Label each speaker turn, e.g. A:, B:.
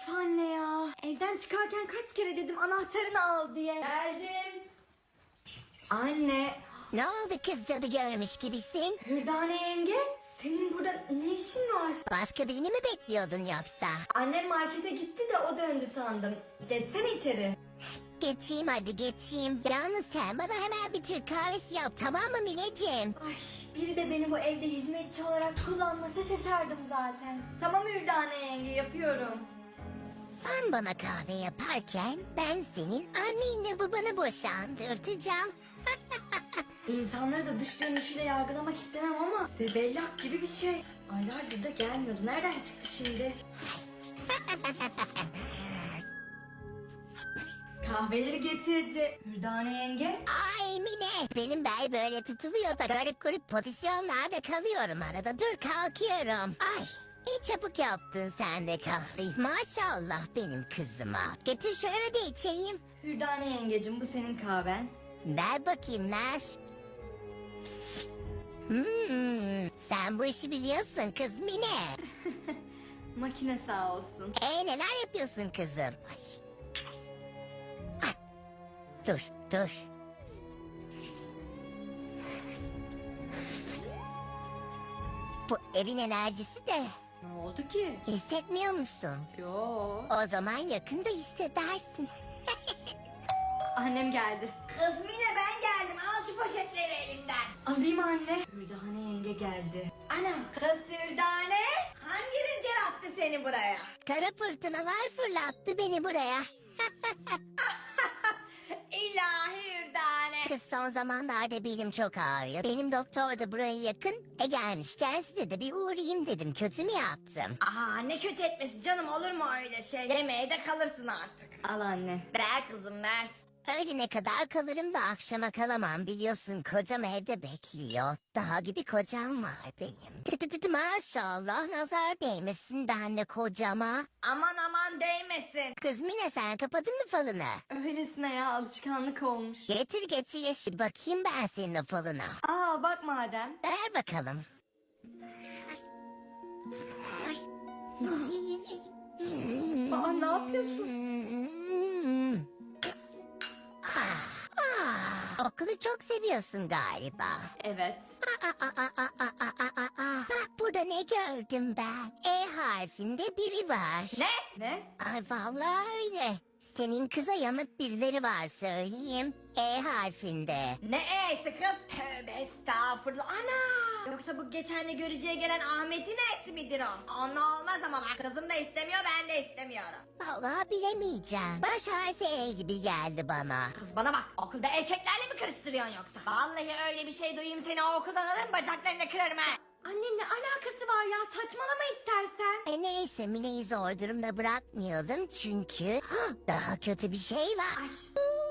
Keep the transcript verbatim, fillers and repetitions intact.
A: Of anne ya. Evden çıkarken kaç kere dedim anahtarını al diye. Geldim. Anne.
B: Ne oldu kız, cadı görmüş gibisin?
A: Hürdane yenge. Senin burada ne işin var?
B: Başka birini mi bekliyordun yoksa?
A: Annem markete gitti de o döndü sandım. Geçsene içeri.
B: Geçeyim hadi geçeyim. Yalnız sen bana hemen bir Türk kahvesi yap, tamam mı Mineciğim?
A: Ay, biri de beni bu evde hizmetçi olarak kullanmasa şaşardım zaten. Tamam Hürdane yenge, yapıyorum.
B: Sen bana kahve yaparken ben senin annenle babanı boşandırtacağım.
A: İnsanları da dış görünüşüyle yargılamak istemem ama zebellak gibi bir şey. Aylardır da gelmiyordu. Nereden çıktı şimdi? Kahveleri getirdi. Hürdane yenge.
B: Ay Mine, benim bel böyle tutuluyor da garip garip pozisyonlarda kalıyorum arada. Dur kalkıyorum. Ay, iyi çabuk yaptın sen de kahveyi. Maşallah benim kızıma. Getir şöyle de içeyim.
A: Hürdane yengecim, bu senin kahven.
B: Ver bakayım ver. Hmm, sen bu işi biliyorsun kız Mine.
A: Makine sağ olsun.
B: E neler yapıyorsun kızım? Ay. Ah, dur dur. Bu evin enerjisi de
A: Ne oldu ki?
B: hissetmiyor musun?
A: Yo.
B: O zaman yakında hissedersin.
A: Annem geldi. Kız Mine, ben geldim. Al şu poşetleri elimden. Alayım anne. Hürdane yenge geldi. Ana. Kız Hürdane. Hangi rüzgar attı seni buraya?
B: Kara fırtınalar fırlattı beni buraya.
A: İlahi Hürdane.
B: Kız son zamanlarda belim çok ağrıyor. Benim doktor da buraya yakın. E gelmişken size de bir uğrayayım dedim. Kötü mü yaptım?
A: Aa, ne kötü etmesi canım, olur mu öyle şey? Yemeğe de kalırsın artık. Al anne. Ver kızım, ver.
B: Öğlene kadar kalırım da akşama kalamam, biliyorsun kocam evde bekliyor. Daha gibi kocam var benim. Tı tı tı tı, maşallah nazar değmesin benle kocama.
A: Aman aman değmesin.
B: Kız Mine, sen kapadın mı falını?
A: Öylesine ya, alışkanlık olmuş.
B: Getir getir şu bakayım ben senin o falına.
A: Aa, bak madem.
B: Ver bakalım.
A: Aa, ne yapıyorsun?
B: Ah, ah, okulu çok seviyorsun galiba.
A: Evet.
B: Aa, aa, aa, aa, aa, aa, aa. Bak burada ne gördüm ben. E harfinde biri var.
A: Ne? Ne?
B: Ay vallahi öyle. Senin kıza yanık birileri var söyleyeyim. E harfinde.
A: Ne e'si kız? Tövbe estağfurullah. Ana! Yoksa bu geçen de görücüye gelen Ahmet'in e'si midir o? Onunla olmaz ama bak, kızım da istemiyor, ben de istemiyorum.
B: Vallahi bilemeyeceğim. Baş harfi E gibi geldi bana.
A: Kız bana bak, okulda erkeklerle mi karıştırıyorsun yoksa? Vallahi öyle bir şey duyayım seni o okuldan alırım, bacaklarını kırarım ha. Anne, ne alakası var ya, saçmalama istersen.
B: E neyse, Mine'yi zor durumda bırakmıyordum çünkü Hah, daha kötü bir şey var.
A: Ay.